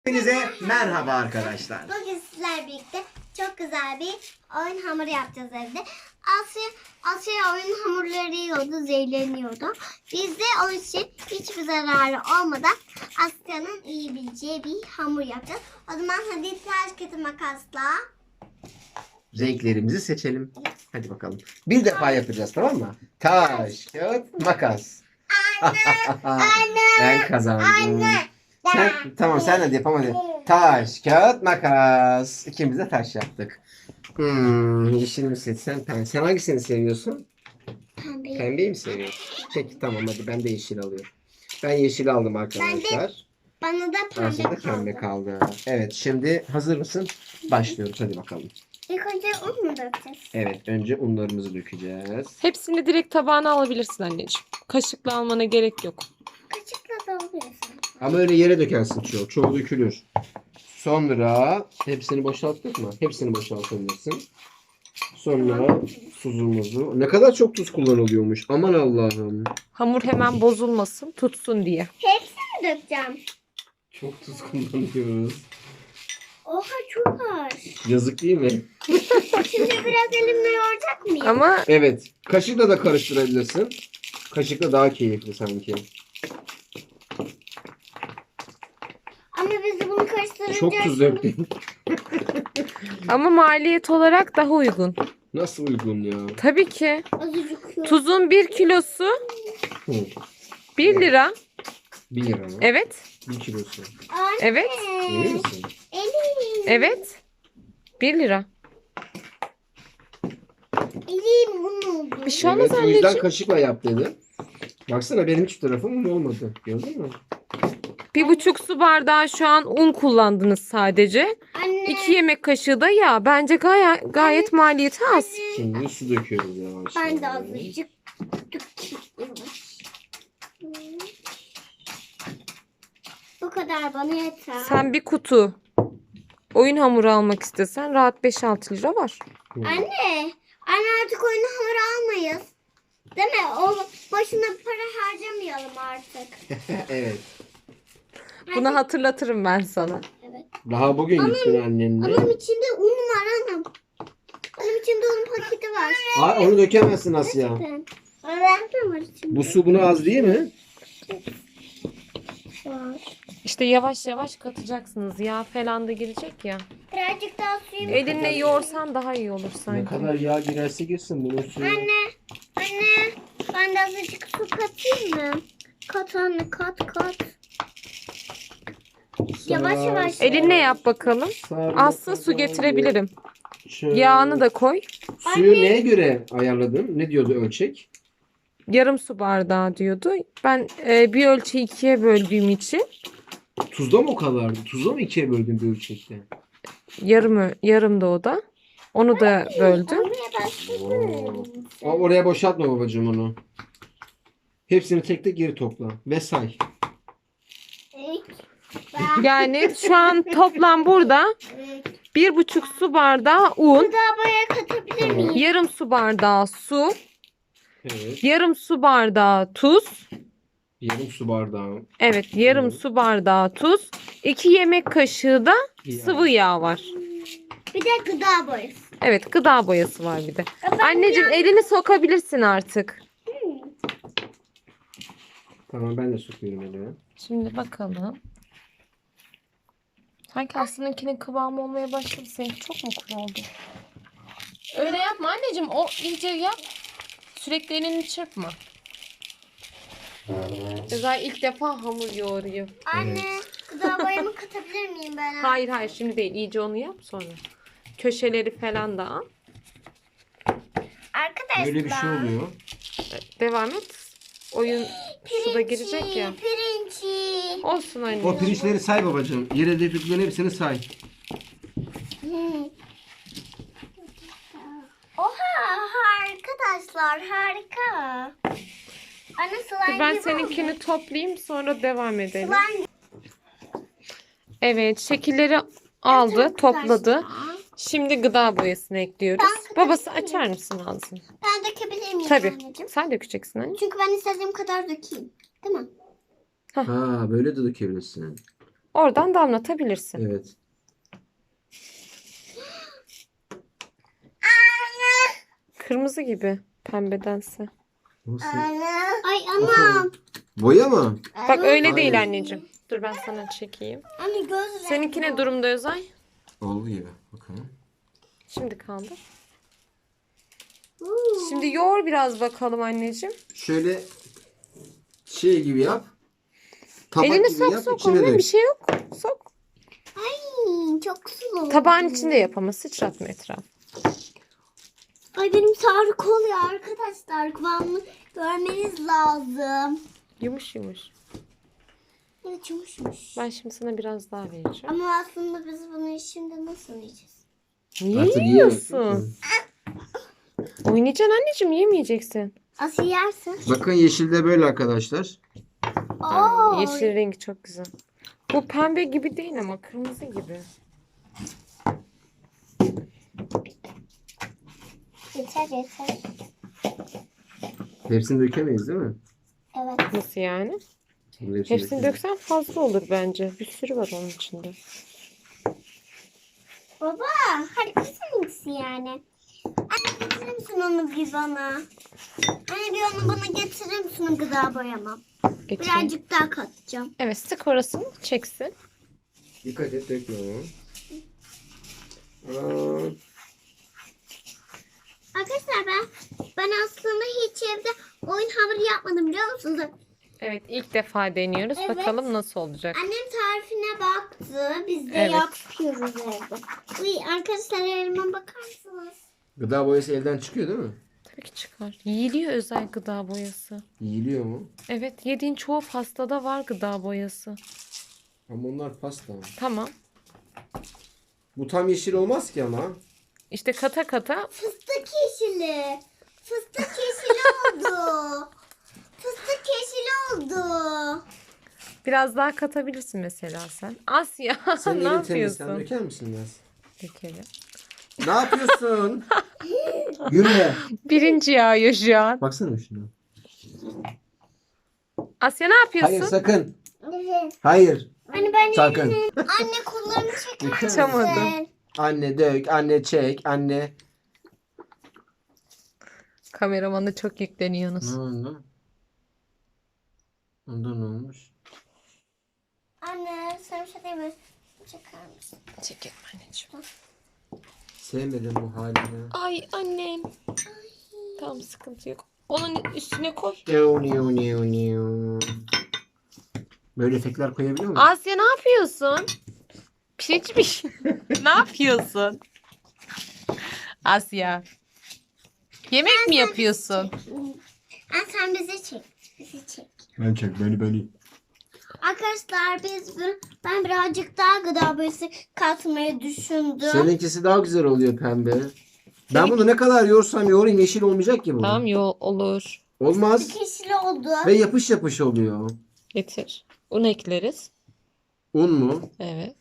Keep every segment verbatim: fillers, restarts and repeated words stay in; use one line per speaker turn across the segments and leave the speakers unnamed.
Hepinize merhaba arkadaşlar.
Bugün sizlerle birlikte çok güzel bir oyun hamuru yapacağız evde. Asya, Asya oyun hamurları yiyordu, zehirleniyordu. Biz de onun için hiçbir zararı olmadan Asya'nın iyi bileceği bir hamur yapacağız. O zaman hadi taş kağıt makasla.
Renklerimizi seçelim. Hadi bakalım. Bir defa yapacağız, tamam mı? Taş, kağıt, makas.
Anne,
Ben kazandım.
anne.
Sen, tamam sen hadi yap hadi. Taş, kağıt, makas. İkimiz de taş yaptık. Hmm, yeşil mi seçsen pembe. Sen hangisini seviyorsun?
Pembe.
Pembeyi mi seviyorsun? Peki tamam hadi ben de yeşil alıyorum. Ben yeşil aldım arkadaşlar.
Bana da pembe
Aslında
kaldı.
pembe kaldı. Evet şimdi hazır mısın? Başlıyoruz hadi bakalım.
İlk önce un mu dökeceğiz?
Evet önce unlarımızı dökeceğiz.
Hepsini direkt tabağına alabilirsin anneciğim. Kaşıkla almana gerek yok.
Kaşıkla da oluyorsun.
Ama öyle yere dökersin çoğu. Çoğu dökülür. Sonra hepsini boşalttık mı? Hepsini boşaltabilirsin. Sonra tuzumuzu. Ne kadar çok tuz kullanılıyormuş. Aman Allah'ım.
Hamur hemen bozulmasın, tutsun diye.
Hepsini dökeceğim.
Çok tuz kullanıyoruz.
Oha çok ağır.
Yazık değil mi?
Şimdi biraz elimle yoğuracak mıyım?
Ama
Evet. Kaşıkla da karıştırabilirsin. Kaşıkla daha keyifli sanki.
Ama biz de bunu karıştırınca...
Çok tuz döktün.
ama maliyet olarak daha uygun.
Nasıl uygun ya?
Tabii ki.
Azıcık yok.
Tuzun bir kilosu
Hı.
bir lira.
Bir lira mı?
Evet.
Bir kilosu.
Anne.
Evet.
İyi misin?
Elim.
Evet. bir lira.
Elim un oldu.
Bir şey olmaz
Evet, o yüzden
anneciğim.
kaşıkla yap dedi. Baksana benim hiç tarafım olmadı. Gördün mü?
Bir buçuk su bardağı şu an un kullandınız sadece.
Anne.
İki yemek kaşığı da yağ. Bence gayet, gayet maliyeti az.
Şimdi su döküyoruz yavaş
Ben de
yavaş.
azıcık dökeyim. Bu kadar bana yeter.
Sen bir kutu oyun hamuru almak istesen rahat beş altı lira var.
Hı.
Anne. Anne artık oyun hamuru almayız. Değil mi? O başına para harcamayalım artık.
Evet.
Bunu hatırlatırım ben sana.
Evet.
Daha bugün gittin annenle.
Onun içinde un var anam. Onun içinde un paketi var.
Aa, onu dökemezsin Asya.
Ben. Evet. Ne var içinde?
Bu su buna az değil mi?
Var.
İşte yavaş yavaş katacaksınız. Yağ falan da girecek ya.
Birazcık daha suyum.
Elinle yoğursan daha iyi olur
Ne
sanki.
kadar yağ girerse girsin bunun suyu.
Anne. Anne. Ben de azıcık su katayım mı? Kat anne kat kat. Yavaş yavaş.
Elinle yap bakalım.
Sarma
Azsa su getirebilirim.
Şöyle.
Yağını da koy.
Suyu neye göre ayarladın? Ne diyordu ölçek?
Yarım su bardağı diyordu. Ben e, bir ölçeği ikiye böldüğüm için
Tuzda mı o kadardı? Tuzda mı ikiye böldün bir ölçekte?
yarım ö- yarım da o da. Onu da böldüm.
Olmaya başladı.
O, oraya boşaltma babacığım onu. Hepsini tek tek geri topla. Ve say.
Ben.
Yani şu an toplam burada bir buçuk su bardağı un,
Gıda boya katabilir miyim?
yarım su bardağı su,
Evet.
yarım su bardağı tuz.
Yarım su bardağı.
Evet, yarım
Evet.
su bardağı tuz, iki yemek kaşığı da
Yağ.
sıvı yağ var.
Bir de gıda boyası.
Evet, gıda boyası var bir de.
Ben
Anneciğim elini sokabilirsin artık.
Tamam ben de sokuyorum elime.
Şimdi bakalım. Sanki Aslı'nınkinin kıvamı olmaya başladı. Seninki çok mu kuru oldu? Öyle yapma anneciğim. O iyice yap. Sürekli elini çırpma. Ceza ilk defa hamur yoğuruyor.
Anne, gıda boyamı katabilir miyim ben?
Hayır hayır şimdi değil. İyice onu yap sonra. Köşeleri falan da al.
Arkadaşlar.
Böyle bir şey oluyor.
Devam et. Oyun suda girecek ya.
Pirinci.
Olsun anne.
O pirinçleri say babacığım. Yere dökülen hepsini say.
Hmm. Oha arkadaşlar harika. Anne slime
Ben
gibi
seninkini
oldu.
toplayayım sonra devam edelim.
Slime.
Evet şekilleri aldı,
Evet,
topladı.
arkadaşlar.
Şimdi gıda boyasını ekliyoruz.
Ben
Babası
katabilir
açar mısın ağzını?
Ben dökebilir miyim
Tabii.
anneciğim?
Sen dökeceksin anne.
Çünkü ben istediğim kadar dökeyim. Değil mi?
Ha böyle de dökebilirsin.
Oradan damlatabilirsin.
Evet.
Kırmızı gibi pembedense.
Nasıl?
Ay anam.
Boya mı?
Bak öyle
Hayır.
değil anneciğim. Dur ben sana çekeyim.
Anne göz rengi.
Seninki ne durumda Özay?
Olduğu gibi. Bakalım.
Şimdi kaldır.
Uuu.
Şimdi yoğur biraz bakalım anneciğim.
Şöyle şey gibi yap. Tabak
Elini
gibi
sok
yap.
sok.
içine
Onun
dök.
bir şey yok. Sok.
Ay çok sulu.
Tabağın içinde yap ama sıçratma etraf.
Ay benim sarık oluyor arkadaşlar. Kıvamını görmeniz lazım.
Yumuş yumuş.
Evet yumuşmuş.
Ben şimdi sana biraz daha vereceğim.
Ama aslında biz bunu şimdi nasıl yiyeceğiz?
Niye
Artık
yiyorsun?
yiyemezsin.
Oynayacaksın anneciğim, yemeyeceksin.
Asıl yersin.
Bakın yeşilde böyle arkadaşlar.
Oo.
Yeşil rengi çok güzel. Bu pembe gibi değil ama kırmızı gibi.
Yeter yeter.
Hepsini dökemeyiz değil mi?
Evet.
Nasıl yani?
Bunu
Hepsini
dökemeyiz.
döksen fazla olur bence. Bir sürü var onun içinde.
Baba harikasın ikisi yani. Anne getirir misin onu bir bana? Anne bir onu bana getirir misin o gıda boyamam?
Getireyim.
Birazcık daha katacağım.
Evet, sık orasını çeksin.
Dikkat et dökme onu. Aa,
Arkadaşlar ben ben aslında hiç evde oyun hamuru yapmadım biliyor musunuz?
Evet, ilk defa deniyoruz.
Evet.
Bakalım nasıl olacak.
Annem tarifine baktı. Biz de
Evet.
yapıyoruz evde. Uy, arkadaşlar elime bakar mısınız?
gıda boyası elden çıkıyor değil mi?
Tabii ki çıkar. Yiyiliyor özel gıda boyası.
Yiyiliyor mu?
Evet, yediğin çoğu pastada var gıda boyası.
Ama onlar pasta.
Tamam.
Bu tam yeşil olmaz ki ama.
İşte kata kata
Fıstık yeşili. Fıstık yeşili oldu. Fıstık yeşili oldu.
biraz daha katabilirsin mesela sen. Asya
Senin
ne
elin temiz. Sen
yapıyorsun?
döker misin biraz?
Dökelim.
Ne yapıyorsun? Gülme.
Birinci yağıyor şu an.
Baksana şuna.
Asya ne yapıyorsun?
Hayır sakın.
Evet.
Hayır.
Anne ben
Sakın.
anne kollarını çeker
Kaçamadım.
misin?
Anne dök, anne çek, anne.
Kameramana çok yükleniyorsunuz.
Ne oldu? Ondan ne olmuş?
Anne sen bir şey değil mi? Çeker misin?
Çekelim anneciğim.
Sevmedim bu halini.
Ay annem. Tamam, sıkıntı yok. Onun üstüne koy.
Niu, niu, niu, niu. Böyle efektler koyabiliyor musun?
Asya ne yapıyorsun? Pirinç mi? Ne yapıyorsun? Asya. Yemek mi yapıyorsun?
Anne sen bizi çek. Bizi çek.
Ben çek beni beni.
Arkadaşlar biz bir- ben birazcık daha gıda boyası katmayı düşündüm.
Seninkisi daha güzel oluyor pembe. Ben bunu ne kadar yoğursam yoğurayım yeşil olmayacak ki bu.
Tamam, yo olur.
Olmaz.
Yeşil oldu.
Ve yapış yapış oluyor.
Getir. Un ekleriz.
Un mu?
Evet.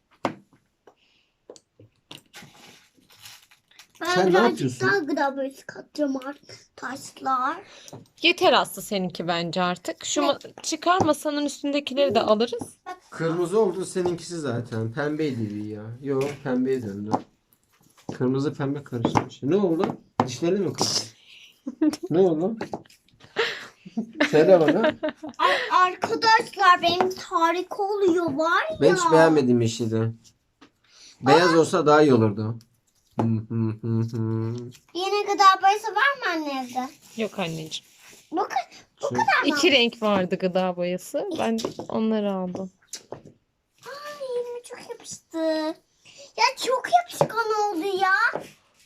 Ben
Sen ne
birazcık
yapıyorsun?
daha gıda boyası katacağım arkadaşlar.
Yeter Aslı seninki bence artık. Şu ma- çıkar masanın üstündekileri de alırız.
Kırmızı oldu seninkisi zaten. Pembeydi bir ya. Yok pembeye döndü. Kırmızı pembe karışmış. Ne oldu? Dişleri mi kırdı? Ne oldu? Söyle bana.
Ay, arkadaşlar benim harika oluyor var ya.
Ben hiç beğenmedim yeşili. Beyaz olsa daha iyi olurdu. Hı hı hı hı.
Yine gıda boyası var mı anne evde?
Yok anneciğim.
Bakın bu
Şu-
kadar mı?
İki renk vardı gıda boyası. Ben onları aldım.
Ay elime çok yapıştı. Ya çok yapışkan oldu ya.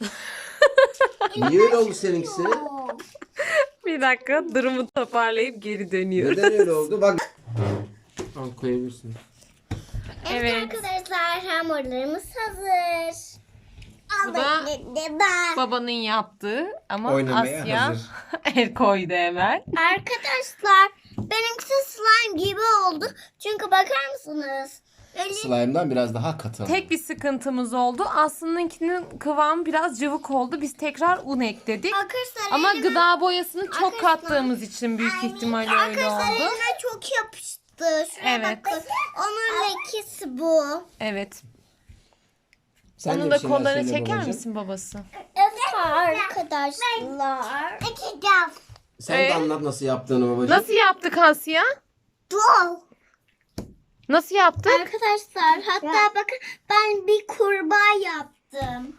Niye öyle oldu seninkisi?
Oo.
Bir dakika, durumu toparlayıp geri dönüyoruz.
Neden öyle oldu? Bak. Al koyabilirsin.
Evet.
Evet.
Arkadaşlar hamurlarımız hazır.
Bu da babanın yaptığı ama
Oynamaya
Asya
hazır.
el koydu hemen.
Arkadaşlar benimkisi slime gibi oldu. Çünkü bakar mısınız? Öyle
Slime'dan biraz daha katı.
Tek bir sıkıntımız oldu. Aslı'nınkinin kıvamı biraz cıvık oldu. Biz tekrar un ekledik.
arkadaşlar
Ama
elime,
gıda boyasını çok
Arkadaşlar-
kattığımız için büyük ihtimalle öyle
arkadaşlar
oldu.
elime çok yapıştı. battı. Şuraya
Evet.
battı. Onun lekesi bu.
Evet.
Sen de
Onun
bir
da
şeyler
kollarını
söyle
çeker
babacığım.
misin babası?
Evet arkadaşlar. Açacağım.
Sen
Ee?
de anlat nasıl yaptığını babacığım.
Nasıl yaptık Asya?
Dur.
Nasıl yaptık?
Arkadaşlar hatta bakın ben bir kurbağa yaptım.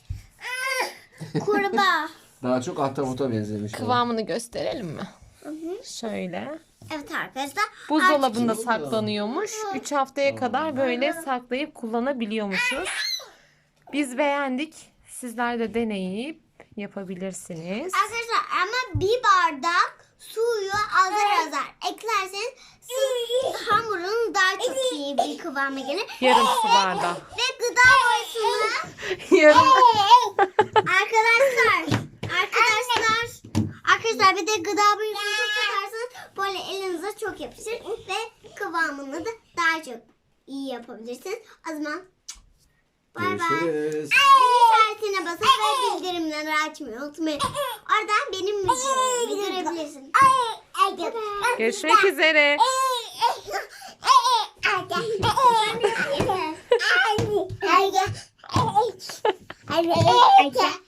Kurbağa.
Daha çok ahtapota benzemiş. o.
Kıvamını gösterelim mi?
Hı hı.
Şöyle.
Evet arkadaşlar.
Buzdolabında
Artık-
saklanıyormuş. üç haftaya kadar böyle saklayıp kullanabiliyormuşuz. Biz beğendik. Sizler de deneyip yapabilirsiniz.
Arkadaşlar ama bir bardak suyu azar azar eklerseniz siz hamurun daha çok iyi bir kıvama gelir.
Yarım su bardağı.
Ve gıda boyasını
Yarım.
arkadaşlar arkadaşlar arkadaşlar bir de gıda boyasını katarsanız böyle elinize çok yapışır ve kıvamını da daha çok iyi yapabilirsiniz. O zaman bay bay.
Görüşürüz.
Zil işaretine basıp ve bildirimleri açmayı unutmayın. Oradan benim videomu görebilirsin.
Görüşmek üzere.
Hadi.